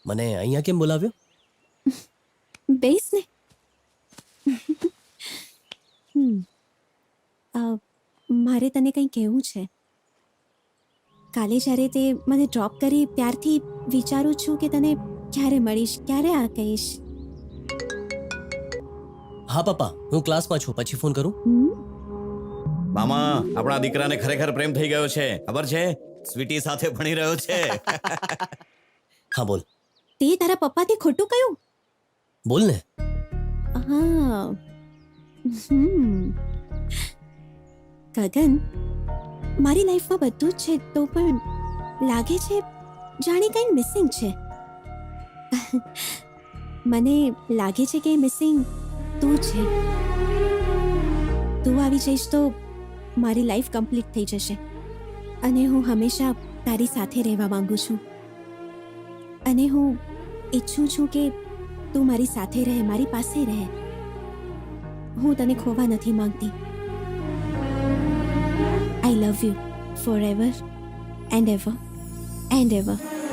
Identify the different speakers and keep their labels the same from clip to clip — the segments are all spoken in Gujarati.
Speaker 1: મને અહીંયા કેમ બોલાવ્યો?
Speaker 2: બેસ ને. મારે તને કંઈ કહેવું છે. કાલે જ્યારે તે મને ડ્રોપ કરી ત્યારથી વિચારું છું કે તને ક્યારે મળીશ, ક્યારે આ કહીશ.
Speaker 1: હા પપ્પા, હું ક્લાસમાં છું, પછી ફોન કરું.
Speaker 3: મામા, આપણા દીકરાને ખરેખર પ્રેમ થઈ ગયો છે, ખબર છે? સ્વીટી સાથે ભણી રહ્યો છે.
Speaker 1: હા બોલ.
Speaker 2: તે તારા પપ્પાથી ખોટું કહ્યું?
Speaker 1: બોલ ને.
Speaker 2: હા. ગગન, મારી લાઈફમાં બધું જ છે, તો પણ લાગે છે જાણે કંઈ મિસિંગ છે. મને લાગે છે કે મિસિંગ તું છે. તું આવી જઈશ તો મારી લાઈફ કમ્પ્લીટ થઈ જશે અને હું હંમેશા તારી સાથે રહેવા માંગુ છું. અને હું ઈચ્છું છું કે તું મારી સાથે રહે, મારી પાસે રહે. હું તને ખોવા નથી માંગતી. I love you forever and ever and ever.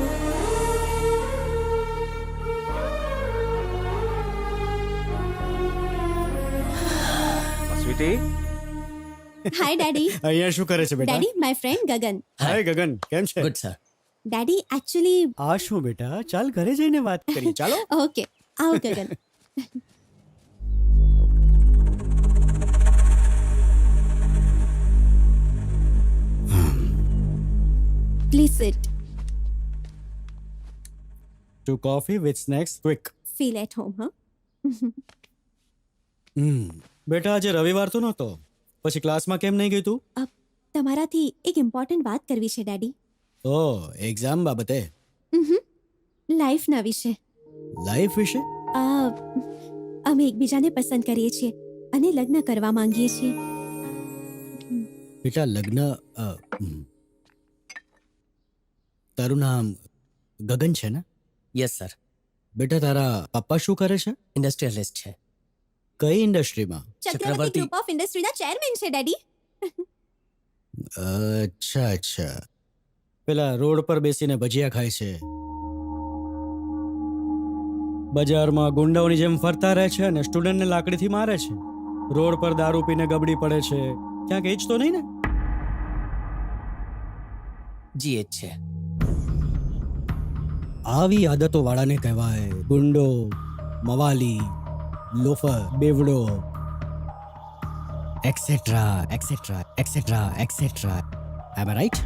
Speaker 4: Sweety,
Speaker 2: Hi daddy.
Speaker 5: અહીંયા શું કરે છે બેટા?
Speaker 2: Daddy, my friend Gagan.
Speaker 5: હાય ગગન, કેમ છે?
Speaker 1: Good sir.
Speaker 2: Daddy, actually,
Speaker 5: આ શું બેટા, ચાલ ઘરે જઈને વાત કરી. ચાલો.
Speaker 2: okay. આવો ગગન. Please sit.
Speaker 5: Two coffee with snacks, quick.
Speaker 2: Feel at home, huh?
Speaker 5: બેટા આજે રવિવાર તો નહોતો, પછી ક્લાસમાં કેમ નહીં ગઈ તું?
Speaker 2: તમારાથી એક ઇમ્પોર્ટન્ટ વાત કરવી છે ડેડી.
Speaker 5: ઓ, એક્ઝામ બાબતે?
Speaker 2: લાઈફના વિશે.
Speaker 5: લાઈફ વિશે?
Speaker 2: અમે એકબીજાને પસંદ કરીએ છીએ અને લગ્ન કરવા માંગીએ છીએ.
Speaker 5: બેટા લગ્ન તારું નામ ગગન છે ને?
Speaker 1: Yes sir.
Speaker 5: બેટા તારા પપ્પા શું કરે છે?
Speaker 1: ઇન્ડસ્ટ્રીયલિસ્ટ છે.
Speaker 5: કઈ ઇન્ડસ્ટ્રીમાં?
Speaker 2: ચક્રવર્તી ગ્રુપ ઓફ ઇન્ડસ્ટ્રીના ચેરમેન છે ડેડી.
Speaker 5: અચ્છા અચ્છા. પેલા રોડ પર બેસીને ભજીયા ખાય છે, બજારમાં ગુંડાઓની જેમ ફરતા રહે છે અને સ્ટુડન્ટને લાકડીથી મારે છે, રોડ પર દારૂ પીને ગબડી પડે છે, ક્યાંક એ જ તો નહીં ને?
Speaker 1: જી એચ છે.
Speaker 5: આવી આદતો વાળાને કહેવાય ગુંડો, મવાલી, લોફર, બેવડો, એક્સેટ્રા એક્સેટ્રા એક્સેટ્રા એક્સેટ્રા. એમ રાઈટ?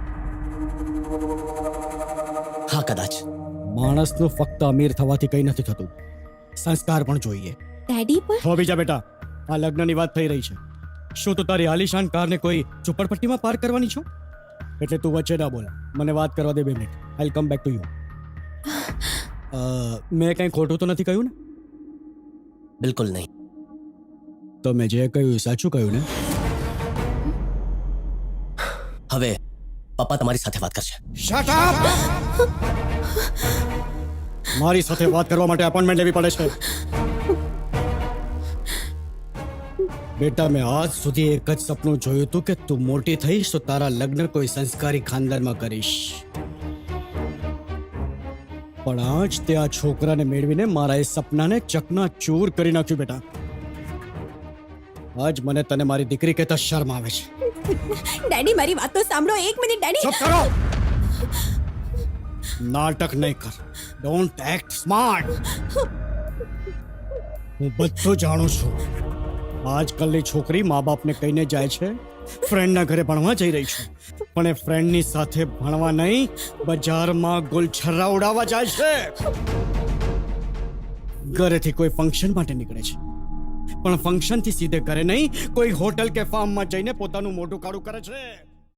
Speaker 1: હા કદાચ.
Speaker 5: માણસનું ફક્ત અમીર થવાથી કંઈ નથી થતું, સંસ્કાર પણ જોઈએ.
Speaker 2: ડેડી પણ
Speaker 5: હો બીજા બેટા, આ લગ્નની વાત થઈ રહી છે. શું તું તારી આલિશાન કારને કોઈ ઝુંપડપટ્ટીમાં પાર્ક કરવાની છો? એટલે તું વચ્ચે ના બોલ, મને વાત કરવા દે 2 minute. I come back to you. મેં કંઈ ખોટું તો નથી કહ્યું ને?
Speaker 1: બિલકુલ નહીં.
Speaker 5: તો મેં જે કહ્યું સાચું કહ્યું ને?
Speaker 1: હવે પપ્પા તમારી સાથે વાત કરશે.
Speaker 5: Shut up! મારી સાથે વાત કરવા માટે અપોઇન્ટમેન્ટ લેવી પડે છે. બેટા મેં આજ સુધી એક જ સપનું જોયું હતું કે તું મોટી થઈશ તો તારા લગ્ન કોઈ સંસ્કારી ખાનદાનમાં કરીશ. પણ આજ તે આ છોકરાને મેળવીને મારા એ સપનાને ચકનાચૂર કરી નાખ્યું. બેટા આજ મને તને મારી દીકરી કહેતા શરમ આવે છે.
Speaker 2: ડેડી મારી વાત તો સાંભળો. 1 મિનિટ ડેડી.
Speaker 5: ચૂપ કરો! નાટક નહીં કર. Don't act smart. હું બધું જાણું છું. આજકાલની છોકરી મા બાપને કહીને જાય છે ફ્રેન્ડના ઘરે ભણવા જઈ રહી છે, પણ એ ફ્રેન્ડની સાથે ભણવા નહીં, બજારમાં ગુલછર્રા ઉડાવવા જાય છે. ઘરેથી કોઈ ફંક્શન માટે નીકળે છે, પણ ફંક્શનથી સીધે ઘરે નહીં, કોઈ હોટલ કે ફાર્મમાં જઈને પોતાનું મોઢું કાળું કરે છે.